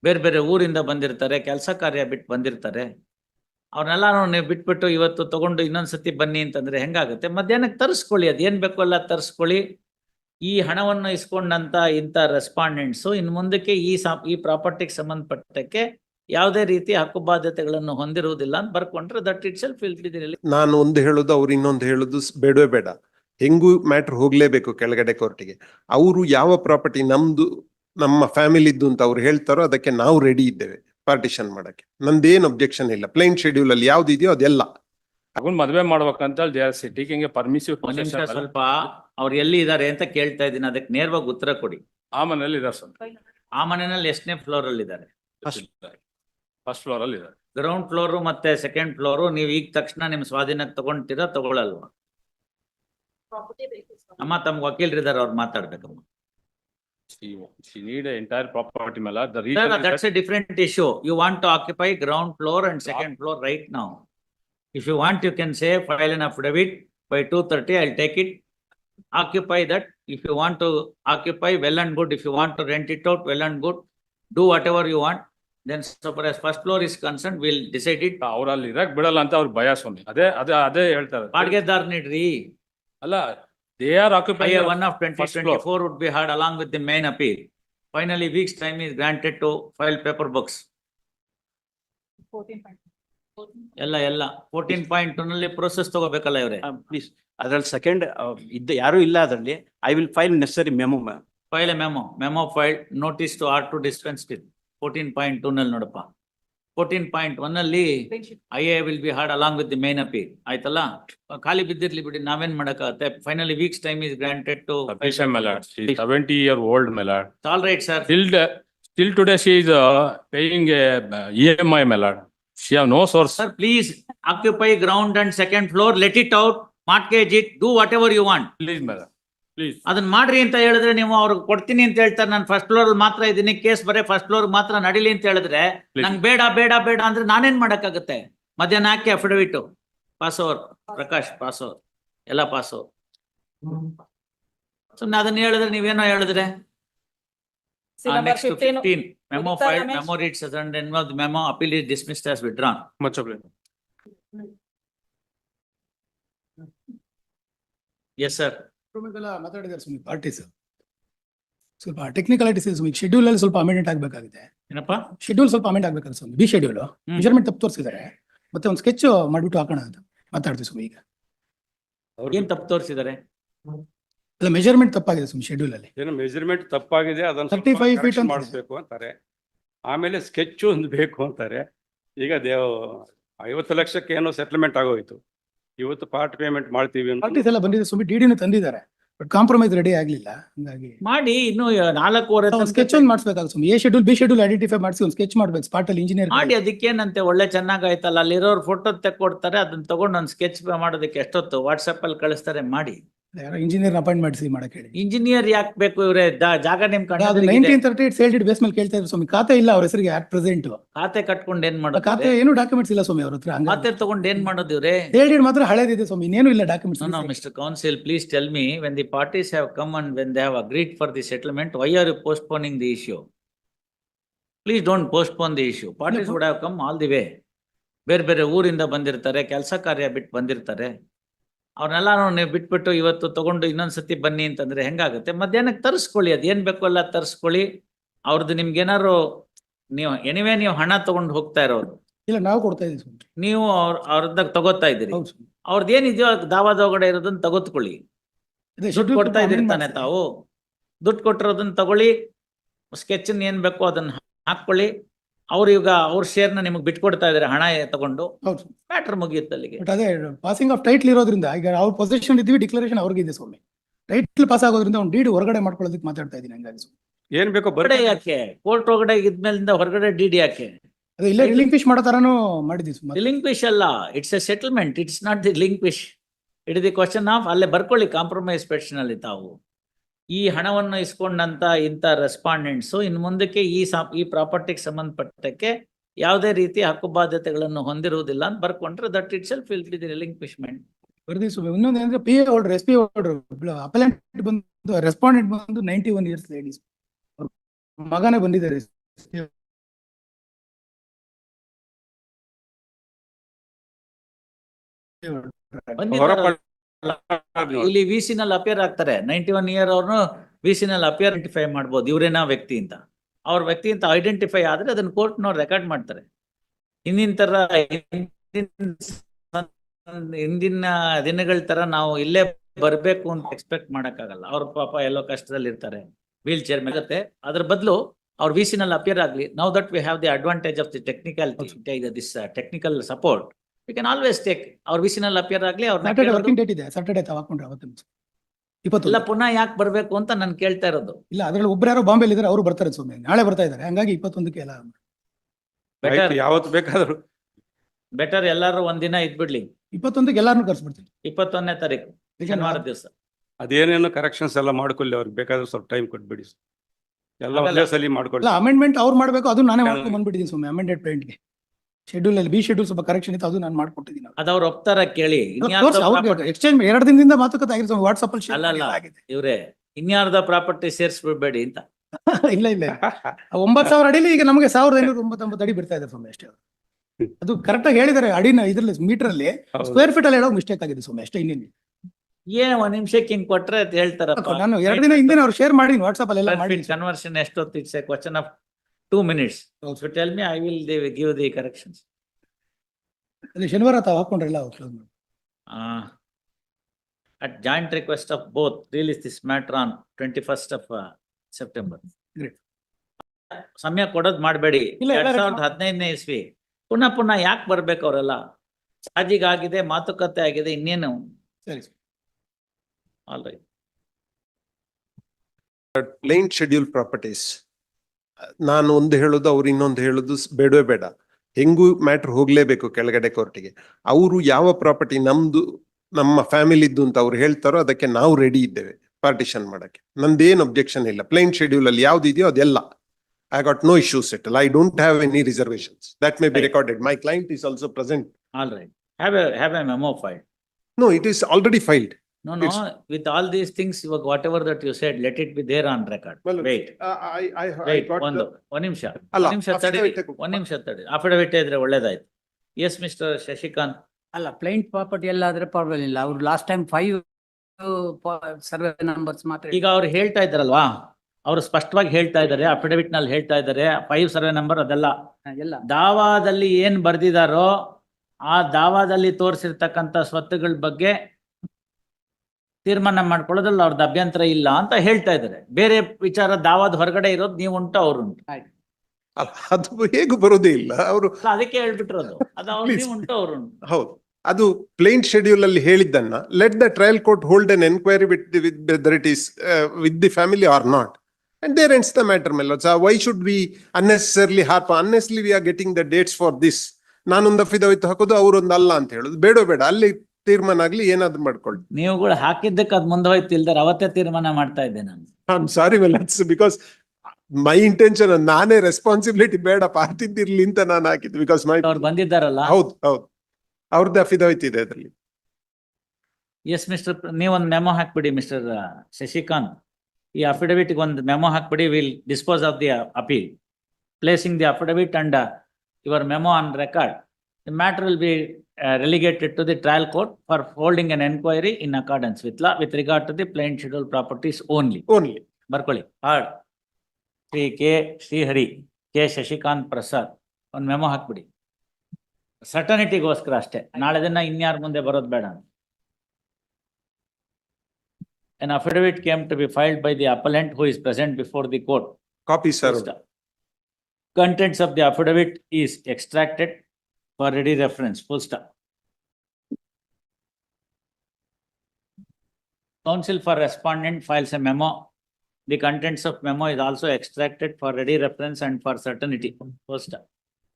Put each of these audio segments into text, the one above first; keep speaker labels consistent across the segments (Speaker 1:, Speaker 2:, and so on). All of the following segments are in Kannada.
Speaker 1: ಬೇರೆ ಬೇರೆ ಊರಿಂದ ಬಂದಿರ್ತಾರೆ, ಕೆಲಸ ಕಾರ್ಯ ಬಿಟ್ಟು ಬಂದಿರ್ತಾರೆ. ಅವ್ರನ್ನೆಲ್ಲ ನೀವು ಬಿಟ್ಬಿಟ್ಟು ಇವತ್ತು ತಗೊಂಡು ಇನ್ನೊಂದ್ಸತಿ ಬನ್ನಿ ಅಂತಂದ್ರೆ ಹೆಂಗಾಗುತ್ತೆ? ಮಧ್ಯಾಹ್ನಕ್ಕೆ ತರಿಸ್ಕೊಳ್ಳಿ, ಅದೇನ್ ಬೇಕೋ ಎಲ್ಲ ತರಿಸ್ಕೊಳ್ಳಿ. ಈ ಹಣವನ್ನು ಇಸ್ಕೊಂಡಂತ ಇಂಥ ರೆಸ್ಪಾಂಡೆಂಟ್ಸು ಇನ್ನು ಮುಂದಕ್ಕೆ ಈ ಪ್ರಾಪರ್ಟಿಗೆ ಸಂಬಂಧಪಟ್ಟಕ್ಕೆ ಯಾವುದೇ ರೀತಿ ಹಕ್ಕು ಬಾಧ್ಯತೆಗಳನ್ನು ಹೊಂದಿರುವುದಿಲ್ಲ ಅಂತ ಬರ್ಕೊಂಡ್ರೆ that itself will be the relief.
Speaker 2: ನಾನು ಒಂದು ಹೇಳುದು, ಅವ್ರು ಇನ್ನೊಂದು ಹೇಳುದು ಬೇಡವೇ ಬೇಡ. ಹೆಂಗೂ ಮ್ಯಾಟರ್ ಹೋಗ್ಲೇಬೇಕು ಕೆಳಗಡೆ ಕೋರ್ಟಿಗೆ. ಅವರು ಯಾವ ಪ್ರಾಪರ್ಟಿ ನಮ್ದು ನಮ್ಮ ಫ್ಯಾಮಿಲಿದ್ದು ಅಂತ ಅವ್ರು ಹೇಳ್ತಾರೋ ಅದಕ್ಕೆ ನಾವು ರೆಡಿ ಇದ್ದೇವೆ ಪಾರ್ಟಿಷನ್ ಮಾಡಕ್ಕೆ. ನಂದೇನು ಅಬ್ಜೆಕ್ಷನ್ ಇಲ್ಲ. ಪ್ಲೇನ್ ಶೆಡ್ಯೂಲ್ ಅಲ್ಲಿ ಯಾವ್ದು ಇದೆಯೋ ಅದೆಲ್ಲ
Speaker 3: ಮಗನ್ ಮದ್ವೆ ಮಾಡ್ಬೇಕಂತ ಟೇಕಿಂಗ್ ಪರ್ಮಿಸಿವ್.
Speaker 1: ಸ್ವಲ್ಪ ಅವ್ರು ಎಲ್ಲಿ ಇದಾರೆ ಅಂತ ಕೇಳ್ತಾ ಇದ್ದೀನಿ, ಅದಕ್ಕೆ ನೇರವಾಗಿ ಉತ್ತರ ಕೊಡಿ.
Speaker 3: ಆ ಮನೆಯಲ್ಲಿ ಇದಾರೆ ಸರ್.
Speaker 1: ಆ ಮನೆಯಲ್ಲಿ ಎಷ್ಟನೇ ಫ್ಲೋರ್ ಅಲ್ಲಿ ಇದ್ದಾರೆ?
Speaker 3: ಫಸ್ಟ್ ಫ್ಲೋರ್ ಅಲ್ಲಿ ಇದಾರೆ.
Speaker 1: ಗ್ರೌಂಡ್ ಫ್ಲೋರ್ ಮತ್ತೆ ಸೆಕೆಂಡ್ ಫ್ಲೋರ್ ನೀವು ಈಗ ತಕ್ಷಣ ನಿಮ್ ಸ್ವಾಧೀನಕ್ಕೆ ತಗೊಂತೀರಾ ತಗೊಳಲ್ವಾ? ಅಮ್ಮ ತಮ್ಗೆ ವಕೀಲರಿದ್ದಾರೆ, ಅವ್ರು ಮಾತಾಡ್ಬೇಕಮ್ಮ.
Speaker 3: She need an entire property, my lord. The
Speaker 1: Sir,
Speaker 3: reason is
Speaker 1: that's a different issue. You want to occupy ground floor and second floor right now. If you want, you can say file an affidavit by 2:30. I'll take it. Occupy that. If you want to occupy, well and good. If you want to rent it out, well and good. Do whatever you want. Then so far as first floor is concerned, we'll decide it.
Speaker 3: ಅವರಲ್ಲಿ ಇರಕ್ ಬಿಡಲ್ಲ ಅಂತ ಅವ್ರ ಭಯ ಸ್ವಾಮಿ. ಅದೇ ಹೇಳ್ತಾರೆ.
Speaker 1: ಬಾಡಿಗೆದಾರ್ ನೀಡ್ರಿ.
Speaker 3: ಅಲ್ಲ, they are occupying.
Speaker 1: Year 1 of 2024 would be heard along with the main appeal. Finally, week's time is granted to file paper books. 14.2 ನಲ್ಲಿ ಪ್ರೋಸೆಸ್ ತಗೋಬೇಕಲ್ಲ ಇವರೇ.
Speaker 4: ಪ್ಲೀಸ್ ಅದ್ರಲ್ಲಿ ಸೆಕೆಂಡ್ ಯಾರು ಇಲ್ಲ ಅದರಲ್ಲಿ. I will file necessary memo.
Speaker 1: File a memo file notice to R two dispense with 14.2 ನಲ್ಲಿ ನೋಡಪ್ಪ. 14.1 ಅಲ್ಲಿ IA will be heard along with the main appeal. ಆಯ್ತಲ್ಲ, ಖಾಲಿ ಬಿದ್ದಿರ್ಲಿ ಬಿಡಿ, ನಾವೇನ್ ಮಾಡಕ್ಕಾಗತ್ತೆ. Finally week's time is granted to.
Speaker 3: My lord, she is 70-year-old, my lord.
Speaker 1: It's all right, sir.
Speaker 3: Still today she is paying EMI, my lord. She have no source.
Speaker 1: Sir, please occupy ground and second floor, let it out, mortgage it, do whatever you want.
Speaker 3: Please, my lord. Please.
Speaker 1: ಅದನ್ನ ಮಾಡ್ರಿ ಅಂತ ಹೇಳಿದ್ರೆ ನೀವು ಅವ್ರಿಗೆ ಕೊಡ್ತೀನಿ ಅಂತ ಹೇಳ್ತಾರೆ. ನಾನು ಫಸ್ಟ್ ಫ್ಲೋರ್ ಅಲ್ಲಿ ಮಾತ್ರ ಇದೀನಿ, ಕೇಸ್ ಬರೇ ಫಸ್ಟ್ ಫ್ಲೋರ್ ಮಾತ್ರ ನಡಿಲಿ ಅಂತ ಹೇಳಿದ್ರೆ ನಂಗೆ ಬೇಡ ಬೇಡ ಬೇಡ ಅಂದ್ರೆ ನಾನೇನ್ ಮಾಡಕ್ಕಾಗತ್ತೆ? ಮಧ್ಯಾಹ್ನ ಹಾಕಿ affidavit pass over, Prakash pass over, ಎಲ್ಲ ಪಾಸ್ ಓವರ್. ಸುಮ್ನೆ ಅದನ್ನ ಹೇಳಿದ್ರೆ ನೀವೇನೋ ಹೇಳಿದ್ರೆ. Next to 15 memo filed, memo reads as and involved memo appeal is dismissed as withdrawn.
Speaker 3: Much obliged.
Speaker 1: Yes, sir.
Speaker 5: ಮಾತಾಡಿದ್ದಾರೆ ಸ್ವಾಮಿ ಪಾರ್ಟೀಸ್. ಸ್ವಲ್ಪ ಟೆಕ್ನಿಕಲಿಟೀಸ್ ಇದೆ ಸ್ವಾಮಿ. ಶೆಡ್ಯೂಲ್ ಅಲ್ಲಿ ಸ್ವಲ್ಪ ಅಮೆಂಡ್ಮೆಂಟ್ ಆಗ್ಬೇಕಾಗಿದೆ.
Speaker 1: ಏನಪ್ಪ?
Speaker 5: ಶೆಡ್ಯೂಲ್ ಸ್ವಲ್ಪ ಅಮೆಂಡ್ ಆಗ್ಬೇಕಾದ್ರೆ ಸ್ವಾಮಿ. ಬಿ ಶೆಡ್ಯೂಲ್ ಮೆಜರ್ಮೆಂಟ್ ತಪ್ಪು ತೋರಿಸಿದ್ದಾರೆ, ಮತ್ತೆ ಒಂದು ಸ್ಕೆಚ್ ಮಾಡ್ಬಿಟ್ಟು ಹಾಕೋಣ ಅಂತ ಮಾತಾಡ್ತೀವಿ ಸ್ವಾಮಿ. ಈಗ
Speaker 1: ಏನ್ ತಪ್ಪು ತೋರಿಸಿದ್ದಾರೆ?
Speaker 5: ಅಲ್ಲ, ಮೆಜರ್ಮೆಂಟ್ ತಪ್ಪಾಗಿದೆ ಸ್ವಾಮಿ ಶೆಡ್ಯೂಲ್ ಅಲ್ಲಿ.
Speaker 6: ಏನೋ ಮೆಜರ್ಮೆಂಟ್ ತಪ್ಪಾಗಿದೆ, ಅದನ್ನ
Speaker 5: 35 feet ಅಂತ
Speaker 6: ಮಾಡಿಸ್ಬೇಕು ಅಂತಾರೆ. ಆಮೇಲೆ ಸ್ಕೆಚ್ ಒಂದು ಬೇಕು ಅಂತಾರೆ. ಈಗ 50 ಲಕ್ಷಕ್ಕೆ ಏನೋ ಸೆಟಲ್ಮೆಂಟ್ ಆಗೋಯ್ತು. ಇವತ್ತು ಪಾರ್ಟ್ ಪೇಮೆಂಟ್ ಮಾಡ್ತೀವಿ ಅಂತ
Speaker 5: ಪಾರ್ಟೀಸ್ ಎಲ್ಲ ಬಂದಿದೆ ಸ್ವಾಮಿ. ಡಿಡಿನೂ ತಂದಿದ್ದಾರೆ, ಬಟ್ ಕಾಂಪ್ರಮೈಸ್ ರೆಡಿ ಆಗ್ಲಿಲ್ಲ. ಹಂಗಾಗಿ
Speaker 1: ಮಾಡಿ ಇನ್ನು 4:15
Speaker 5: ಸ್ಕೆಚ್ ಒಂದು ಮಾಡಿಸ್ಬೇಕಾಗ ಸ್ವಾಮಿ. A schedule B schedule identify ಮಾಡಿಸಿ ಒಂದು ಸ್ಕೆಚ್ ಮಾಡ್ಬೇಕು ಸ್ಪಾಟ್ ಅಲ್ಲಿ. ಇಂಜಿನಿಯರ್
Speaker 1: ಮಾಡಿ ಅದಕ್ಕೇನಂತೆ, ಒಳ್ಳೆ ಚೆನ್ನಾಗಾಯ್ತಲ್ಲ. ಅಲ್ಲಿರೋರು ಫೋಟೋ ತೆಕ್ಕೊಡ್ತಾರೆ, ಅದನ್ನ ತಗೊಂಡು ಒಂದು ಸ್ಕೆಚ್ ಮಾಡೋದಕ್ಕೆ ಎಷ್ಟೊತ್ತು ವಾಟ್ಸ್ಆಪ್ ಅಲ್ಲಿ ಕಳಿಸ್ತಾರೆ. ಮಾಡಿ
Speaker 5: ಯಾರೋ ಇಂಜಿನಿಯರ್ ಅಪಾಯಿಂಟ್ ಮಾಡಿಸಿ ಮಾಡಕ್ಕೆ ಹೇಳಿ.
Speaker 1: ಇಂಜಿನಿಯರ್ ಯಾಕೆ ಬೇಕು ಇವ್ರೆ? ಜಾಗ ನಿಮ್ ಕಡೆ
Speaker 5: 1938 ಸೇಲ್ಡ್ ಬೇಸ್ ಮೇಲೆ ಕೇಳ್ತಾ ಇದ್ರು ಸ್ವಾಮಿ. ಖಾತೆ ಇಲ್ಲ ಅವ್ರ ಹೆಸರಿಗೆ ಅಟ್ ಪ್ರೆಸೆಂಟ್.
Speaker 1: ಖಾತೆ ಕಟ್ಕೊಂಡು ಏನ್ ಮಾಡೋದು?
Speaker 5: ಖಾತೆ ಏನು ಡಾಕ್ಯುಮೆಂಟ್ಸ್ ಇಲ್ಲ ಸ್ವಾಮಿ ಅವ್ರ ಹತ್ರ.
Speaker 1: ಖಾತೆ ತಗೊಂಡು ಏನ್ ಮಾಡೋದು ಇವ್ರೆ?
Speaker 5: ಸೇಲ್ಡ್ ಮಾತ್ರ ಹಳೇದಿದೆ ಸ್ವಾಮಿ, ಇನ್ನೇನು ಇಲ್ಲ documents.
Speaker 1: No, Mr. Counsel, please tell me, when the parties have come and when they have agreed for the settlement, why are you postponing the issue? Please don't postpone the issue. Parties would have come all the way. ಬೇರೆ ಬೇರೆ ಊರಿಂದ ಬಂದಿರ್ತಾರೆ, ಕೆಲಸ ಕಾರ್ಯ ಬಿಟ್ಟು ಬಂದಿರ್ತಾರೆ. ಅವ್ರನ್ನೆಲ್ಲ ನೀವು ಬಿಟ್ಬಿಟ್ಟು ಇವತ್ತು ತಗೊಂಡು ಇನ್ನೊಂದ್ಸತಿ ಬನ್ನಿ ಅಂತಂದ್ರೆ ಹೆಂಗಾಗುತ್ತೆ? ಮಧ್ಯಾಹ್ನಕ್ಕೆ ತರಿಸ್ಕೊಳ್ಳಿ, ಅದೇನ್ ಬೇಕೋ ಎಲ್ಲ ತರಿಸ್ಕೊಳ್ಳಿ. ಅವ್ರದ್ದು ನಿಮ್ಗೆ ಏನಾದ್ರು ನೀವು ಹಣ ತಗೊಂಡು ಹೋಗ್ತಾ ಇರೋದು
Speaker 5: ಇಲ್ಲ, ನಾವು ಕೊಡ್ತಾ ಇದೀವಿ ಸ್ವಾಮಿ.
Speaker 1: ನೀವು ಅವ್ರದಾಗ ತಗೋತಾ ಇದ್ದೀರಿ.
Speaker 5: ಹೌದು ಸ್ವಾಮಿ.
Speaker 1: ಅವ್ರದ್ದು ಏನಿದೆಯೋ ದಾವಾದೊಳಗಡೆ ಇರೋದನ್ನ ತಗೋತ್ಕೊಳ್ಳಿ. ದುಡ್ಡು ಕೊಡ್ತಾ ಇದೀರಿ ತಾನೆ ತಾವು? ದುಡ್ಡು ಕೊಟ್ಟಿರೋದನ್ನ ತಗೊಳ್ಳಿ, ಸ್ಕೆಚ್ ಏನ್ ಬೇಕೋ ಅದನ್ನ ಹಾಕೊಳ್ಳಿ. ಅವ್ರು ಈಗ ಅವ್ರ ಶೇರ್ನ ನಿಮಗೆ ಬಿಟ್ಕೊಡ್ತಾ ಇದಾರೆ ಹಣ ತಗೊಂಡು. ಮ್ಯಾಟರ್ ಮುಗಿಯುತ್ತೆ ಅಲ್ಲಿಗೆ.
Speaker 5: ಬಟ್ ಅದೇ ಪಾಸಿಂಗ್ ಆಫ್ ಟೈಟ್ಲ್ ಇರೋದ್ರಿಂದ ಈಗ ಅವ್ರ ಪೊಸಿಷನ್ ಇದ್ವಿ, ಡಿಕ್ಲರೇಷನ್ ಅವ್ರಿಗೆ ಇದೆ ಸ್ವಾಮಿ. ಟೈಟ್ಲ್ ಪಾಸ್ ಆಗೋದ್ರಿಂದ ಅವ್ನು ಡೀಡ್ ಹೊರಗಡೆ ಮಾಡ್ಕೊಳ್ಳೋದಕ್ಕೆ ಮಾತಾಡ್ತಾ ಇದ್ದೀನಿ. ಹಂಗಾಗಿ
Speaker 6: ಏನ್ ಬೇಕೋ
Speaker 1: ಹೊರಗಡೆ ಯಾಕೆ? ಕೋರ್ಟ್ ಒಳಗಡೆ ಇದ್ಮೇಲಿಂದ ಹೊರಗಡೆ ಡಿಡಿ ಯಾಕೆ?
Speaker 5: ಅದೇ ಇಲ್ಲ, ರಿಲಿಂಕ್ವಿಶ್ ಮಾಡೋ ತರಾನು ಮಾಡಿದ್ವಿ ಸ್ವಾಮಿ.
Speaker 1: ರಿಲಿಂಕ್ವಿಶ್ ಅಲ್ಲ, it's a settlement, it's not the relinquish. It the question of, ಅಲ್ಲೇ ಬರ್ಕೊಳ್ಳಿ ಕಾಂಪ್ರಮೈಸ್ ಪೆಟಿಷನ್ ಅಲ್ಲಿ ತಾವು. ಈ ಹಣವನ್ನು ಇಸ್ಕೊಂಡಂತ ಇಂಥ ರೆಸ್ಪಾಂಡೆಂಟ್ಸು ಇನ್ನು ಮುಂದಕ್ಕೆ ಈ ಪ್ರಾಪರ್ಟಿಗೆ ಸಂಬಂಧಪಟ್ಟಕ್ಕೆ ಯಾವುದೇ ರೀತಿ ಹಕ್ಕು ಬಾಧ್ಯತೆಗಳನ್ನು ಹೊಂದಿರುವುದಿಲ್ಲ ಅಂತ ಬರ್ಕೊಂಡ್ರೆ that itself will be the relinquishment.
Speaker 5: ಬರ್ದಿ ಸ್ವಾಮಿ. ಇನ್ನೊಂದು ಏನಂದ್ರೆ P A holder, SP holder, appellant ಬಂದು ರೆಸ್ಪಾಂಡೆಂಟ್ ಬಂದು 91 years ಲೇಡೀಸ್. ಮಗನೇ ಬಂದಿದ್ದಾರೆ.
Speaker 1: ಇಲ್ಲಿ VC ನಲ್ಲಿ ಅಪಿಯರ್ ಆಗ್ತಾರೆ. 91 ಇಯರ್ ಅವ್ರನ್ನು VC ನಲ್ಲಿ ಅಪಿಯರ್ ಐಡೆಂಟಿಫೈ ಮಾಡ್ಬೋದು ಇವ್ರೇನಾ ವ್ಯಕ್ತಿ ಅಂತ. ಅವ್ರ ವ್ಯಕ್ತಿ ಅಂತ ಐಡೆಂಟಿಫೈ ಆದ್ರೆ ಅದನ್ನ ಕೋರ್ಟ್ನವ್ರು ರೆಕಾರ್ಡ್ ಮಾಡ್ತಾರೆ. ಹಿಂದಿನ ದಿನಗಳ ತರ ನಾವು ಇಲ್ಲೇ ಬರ್ಬೇಕು ಅಂತ ಎಕ್ಸ್ಪೆಕ್ಟ್ ಮಾಡಕ್ಕಾಗಲ್ಲ. ಅವ್ರ ಪಾಪ ಎಲ್ಲೋ ಕಷ್ಟದಲ್ಲಿ ಇರ್ತಾರೆ, ವೀಲ್ ಚೇರ್ ಮೇಲತ್ತೆ. ಅದ್ರ ಬದಲು ಅವ್ರ VC ನಲ್ಲಿ ಅಪಿಯರ್ ಆಗ್ಲಿ. Now that we have the advantage of the this technical support, we can always take. ಅವ್ರ VC ನಲ್ಲಿ ಅಪಿಯರ್ ಆಗ್ಲಿ.
Speaker 5: ಸ್ಯಾಟರ್ಡೆ
Speaker 1: ಅವ್ರ
Speaker 5: ವರ್ಕಿಂಗ್ ಡೇಟ್ ಇದೆ, ಸ್ಯಾಟರ್ಡೆ ಹಾಕೊಂಡ್ರೆ ಅವತ್ತು
Speaker 1: ಎಲ್ಲ
Speaker 5: 21.
Speaker 1: ಪುನಃ ಯಾಕೆ ಬರ್ಬೇಕು ಅಂತ ನಾನು ಕೇಳ್ತಾ ಇರೋದು.
Speaker 5: ಇಲ್ಲ, ಅದ್ರಲ್ಲಿ ಒಬ್ರು ಯಾರೋ ಬಾಂಬೆಲಿ ಇದ್ದಾರೆ, ಅವರು ಬರ್ತಾರೆ ಸ್ವಾಮಿ, ನಾಳೆ ಬರ್ತಾ ಇದ್ದಾರೆ. ಹಂಗಾಗಿ 21ಕ್ಕೆ ಎಲ್ಲ
Speaker 1: ಬೆಟರ್
Speaker 6: ಯಾವತ್ತು ಬೇಕಾದ್ರು
Speaker 1: ಬೆಟರ್ ಎಲ್ಲಾರು ಒಂದಿನ ಇದ್ಬಿಡ್ಲಿ.
Speaker 5: 21ಕ್ಕೆ ಎಲ್ಲಾರನ್ನೂ ಕರ್ಸ್ಬಿಡ್ತೀನಿ.
Speaker 1: 21ನೇ ತಾರೀಕು ಶನಿವಾರ ದಿವಸ.
Speaker 6: ಅದೇನೇನು ಕರೆಕ್ಷನ್ಸ್ ಎಲ್ಲ ಮಾಡ್ಕೊಳ್ಳಿ, ಅವ್ರಿಗೆ ಬೇಕಾದ್ರೆ ಸ್ವಲ್ಪ ಟೈಮ್ ಕೊಟ್ಬಿಡಿ. ಎಲ್ಲ
Speaker 1: ಆಗಲ್ಲ.
Speaker 6: ಒಂದೇ ಸಲ ಮಾಡ್ಕೊಳ್ಳಿ.
Speaker 5: ಇಲ್ಲ, ಅಮೆಂಡ್ಮೆಂಟ್ ಅವ್ರು ಮಾಡ್ಬೇಕು, ಅದು ನಾನೇ ಮಾಡ್ಕೊಂಡು ಬಂದ್ಬಿಟ್ಟಿದ್ದೀನಿ ಸ್ವಾಮಿ. ಅಮೆಂಡೆಡ್ ಪ್ಲೇಂಟ್ಗೆ ಶೆಡ್ಯೂಲ್ ಅಲ್ಲಿ ಶೆಡ್ಯೂಲ್ ಸ್ವಲ್ಪ ಕರೆಕ್ಷನ್ ಇತ್ತು, ಅದು ನಾನು ಮಾಡ್ಕೊಟ್ಟಿದ್ದೀನಿ.
Speaker 1: ಅದವ್ರು ಒಪ್ತಾರ ಕೇಳಿ.
Speaker 5: ಎಕ್ಸ್ಚೇಂಜ್ 2 ದಿನದಿಂದ ಮಾತುಕತೆ ಆಗಿದೆ ಸ್ವಾಮಿ, ವಾಟ್ಸ್ಆಪ್ ಅಲ್ಲಿ
Speaker 1: ಅಲ್ಲ, ಅಲ್ಲ.
Speaker 5: ಆಗಿದೆ.
Speaker 1: ಇವ್ರೆ ಇನ್ಯಾರ್ದ ಪ್ರಾಪರ್ಟಿ ಸೇರ್ಸ್ಬಿಡ್ಬೇಡಿ ಅಂತ.
Speaker 5: ಇಲ್ಲ ಇಲ್ಲ 9,000 ಅಡಿಲಿ ಈಗ ನಮಗೆ 1,599 ಅಡಿ ಬಿಡ್ತಾ ಇದೆ ಸ್ವಾಮಿ, ಅಷ್ಟೇ. ಅದು ಕರೆಕ್ಟ್ ಆಗಿ ಹೇಳಿದ್ದಾರೆ ಅಡಿನ ಇದ್ರಲ್ಲಿ ಮೀಟರ್ ಅಲ್ಲಿ
Speaker 6: ಹೌದು.
Speaker 5: ಸ್ಕ್ವೇರ್ ಫೀಟ್ ಅಲ್ಲಿ ಹೇಳೋ ಮಿಸ್ಟೇಕ್ ಆಗಿದೆ ಸ್ವಾಮಿ, ಅಷ್ಟೇ. ಇನ್ನೇನು
Speaker 1: ಏನ್ ಒಂದ್ ನಿಮಿಷಕ್ಕೆ ಹಿಂಗ್ ಕೊಟ್ರೆ ಅಂತ ಹೇಳ್ತಾರಪ್ಪ.
Speaker 5: ನಾನು 2 ದಿನ ಹಿಂದೆ ಅವ್ರು ಶೇರ್ ಮಾಡಿ ವಾಟ್ಸ್ಆಪ್ ಅಲ್ಲಿ ಎಲ್ಲ ಮಾಡಿ.
Speaker 1: ಕನ್ವರ್ಷನ್ ಎಷ್ಟೊತ್ತು? It's a question of 2 minutes. So tell me, I will give the corrections.
Speaker 5: ಅಲ್ಲಿ ಶನಿವಾರ ತಾವು ಹಾಕೊಂಡ್ರಲ್ಲ ಕ್ಲೋಸ್ ಮಾಡಿ.
Speaker 1: At joint request of both, release this matter on 21st of September.
Speaker 5: Great.
Speaker 1: ಸಮಯ ಕೊಡೋದ್ ಮಾಡಬೇಡಿ.
Speaker 5: ಇಲ್ಲ, ಎಲ್ಲ
Speaker 1: 2015ನೇ ಇಸ್ವಿ ಪುನಃ ಯಾಕೆ ಬರ್ಬೇಕು ಅವರೆಲ್ಲ? ಆಗಿದೆ, ಮಾತುಕತೆ ಆಗಿದೆ, ಇನ್ನೇನು?
Speaker 5: ಸರಿ.
Speaker 1: All right.
Speaker 2: Plaint schedule properties ನಾನು ಒಂದು ಹೇಳುದು, ಅವ್ರು ಇನ್ನೊಂದು ಹೇಳುದು ಬೇಡವೇ ಬೇಡ. ಹೆಂಗೂ ಮ್ಯಾಟರ್ ಹೋಗ್ಲೇಬೇಕು ಕೆಳಗಡೆ ಕೋರ್ಟಿಗೆ. ಅವರು ಯಾವ ಪ್ರಾಪರ್ಟಿ ನಮ್ಮ ಫ್ಯಾಮಿಲಿದ್ದು ಅಂತ ಅವ್ರು ಹೇಳ್ತಾರೋ ಅದಕ್ಕೆ ನಾವು ರೆಡಿ ಇದ್ದೇವೆ ಪಾರ್ಟಿಷನ್ ಮಾಡಕ್ಕೆ. ನಂದೇನು ಅಬ್ಜೆಕ್ಷನ್ ಇಲ್ಲ. ಪ್ಲೇನ್ ಶೆಡ್ಯೂಲ್ ಅಲ್ಲಿ ಯಾವ್ದು ಇದೆಯೋ ಅದೆಲ್ಲ I got no issues settled. I don't have any reservations. That may be
Speaker 1: Right.
Speaker 2: recorded. My client is also present.
Speaker 1: All right. Have a memo filed.
Speaker 2: No, it is already filed.
Speaker 1: No,
Speaker 2: It's-
Speaker 1: with all these things, whatever that you said, let it be there on record.
Speaker 2: Well,
Speaker 1: Wait,
Speaker 2: I
Speaker 1: wait,
Speaker 2: got
Speaker 1: ಒಂದು
Speaker 2: the,
Speaker 1: ಒಂದ್ ನಿಮಿಷ.
Speaker 2: ಅಲ್ಲ,
Speaker 1: ಒಂದ್ ನಿಮಿಷ ತಡಿ,
Speaker 2: affidavit-
Speaker 1: ಒಂದ್ ನಿಮಿಷ ತಡಿ. ಅಫಿಡವಿಟ್ ಇದ್ರೆ ಒಳ್ಳೇದಾಯ್ತು. Yes mister Shashikant.
Speaker 7: ಅಲ್ಲ, ಪ್ಲೈಂಟ್ ಪ್ರಾಪರ್ಟಿ ಎಲ್ಲ ಆದ್ರೆ ಪ್ರಾಬ್ಲಮ್ ಇಲ್ಲ. ಅವ್ರು ಲಾಸ್ಟ್ ಟೈಮ್ 5 ಸರ್ವೆ ನಂಬರ್ಸ್ ಮಾತ್ರ.
Speaker 1: ಈಗ ಅವ್ರು ಹೇಳ್ತಾ ಇದ್ದಾರಲ್ವಾ, ಅವರು ಸ್ಪಷ್ಟವಾಗಿ ಹೇಳ್ತಾ ಇದ್ದಾರೆ, ಅಫಿಡವಿಟ್ ನಲ್ಲಿ ಹೇಳ್ತಾ ಇದ್ದಾರೆ 5 ಸರ್ವೆ ನಂಬರ್ ಅದೆಲ್ಲ.
Speaker 7: ಎಲ್ಲ
Speaker 1: ದಾವಾದಲ್ಲಿ ಏನ್ ಬರ್ದಿದಾರೋ ಆ ದಾವಾದಲ್ಲಿ ತೋರಿಸಿರ್ತಕ್ಕಂಥ ಸ್ವತ್ತುಗಳ ಬಗ್ಗೆ ತೀರ್ಮಾನ ಮಾಡ್ಕೊಳ್ಳೋದ್ರಲ್ಲಿ ಅವ್ರದ್ದು ಅಭ್ಯಂತರ ಇಲ್ಲ ಅಂತ ಹೇಳ್ತಾ ಇದ್ದಾರೆ. ಬೇರೆ ವಿಚಾರ ದಾವಾದ ಹೊರಗಡೆ ಇರೋದು ನೀವು ಉಂಟು, ಅವ್ರುಂಟು.
Speaker 2: ಅಲ್ಲ, ಅದು ಹೇಗೂ ಬರೋದೇ ಇಲ್ಲ. ಅವರು
Speaker 1: ಅದಕ್ಕೆ ಹೇಳ್ಬಿಟ್ಟಿರೋದು ಅದು ಅವ್ರು
Speaker 2: Please.
Speaker 1: ನೀವು ಉಂಟು, ಅವ್ರುಂಟು.
Speaker 2: ಹೌದು, ಅದು ಪ್ಲೇನ್ ಶೆಡ್ಯೂಲ್ ಅಲ್ಲಿ ಹೇಳಿದ್ದನ್ನ let the trial court hold an enquiry whether it is with the family or not, and there ends the matter ಮೇಲೆ. Why should we unnecessarily harp? Unnecessarily we are getting the dates for this. ನಾನೊಂದು ಅಫಿಡವಿಟ್ ಹಾಕೋದು, ಅವರೊಂದು ಅಲ್ಲ ಅಂತ ಹೇಳೋದು ಬೇಡ. ಅಲ್ಲಿ ತೀರ್ಮಾನ ಆಗ್ಲಿ, ಏನಾದ್ರು ಮಾಡ್ಕೊಳ್ಳಿ.
Speaker 1: ನೀವುಗಳು ಹಾಕಿದ್ದಕ್ಕೆ ಅದ್ ಮುಂದೆ ಹೋಯ್ತು, ಇಲ್ದಾರೆ ಅವತ್ತೇ ತೀರ್ಮಾನ ಮಾಡ್ತಾ ಇದ್ದೆ ನಾನು.
Speaker 2: I am sorry well, because my intention, ನಾನೇ ರೆಸ್ಪಾನ್ಸಿಬಿಲಿಟಿ ಬೇಡ ಪಾರ್ಟಿದಿರ್ಲಿ ಅಂತ ನಾನು ಹಾಕಿದ್ದು. ಬಿಕಾಸ್ ಮೈ
Speaker 1: ಅವ್ರು ಬಂದಿದ್ದಾರಲ್ಲ.
Speaker 2: ಹೌದು ಅವ್ರದ್ದು ಅಫಿಡವಿಟ್ ಇದೆ ಅದರಲ್ಲಿ.
Speaker 1: ಎಸ್ ಮಿಸ್ಟರ್, ನೀವೊಂದು ಮೆಮೊ ಹಾಕ್ಬಿಡಿ ಮಿಸ್ಟರ್ ಶಶಿಕಾಂತ್. ಈ ಅಫಿಡವಿಟ್ ಒಂದು ಮೆಮೊ ಹಾಕ್ಬಿಡಿ. Will dispose of the appeal, placing the affidavit and your memo on record. The matter will be relegated to the trial court for holding an enquiry in accordance with law with regard to the plain schedule properties only. ಬರ್ಕೊಳ್ಳಿ. Heard Shri K Srihari K Shashikant Prasad ಒಂದು ಮೆಮೊ ಹಾಕ್ಬಿಡಿ. ಸರ್ಟನಿಟಿಗೋಸ್ಕರ ಅಷ್ಟೇ, ನಾಳೆ ದಿನ ಇನ್ಯಾರ ಮುಂದೆ ಬರೋದು ಬೇಡ. An affidavit came to be filed by the appellant who is present before the court.
Speaker 2: Copy sir.
Speaker 1: Contents of the affidavit is extracted for ready reference. Full stop. Counsel for respondent files a memo. The contents of memo is also extracted for ready reference and for certainty. Full stop.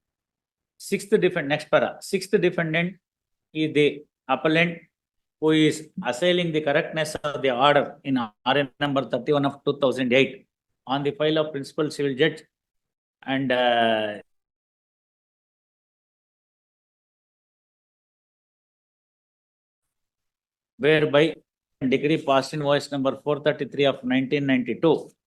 Speaker 1: Next para. Sixth defendant is the appellant who is assailing the correctness of the order in RN number 31 of 2008 on the file of principal civil judge and whereby degree passed in voice number 433 of 1992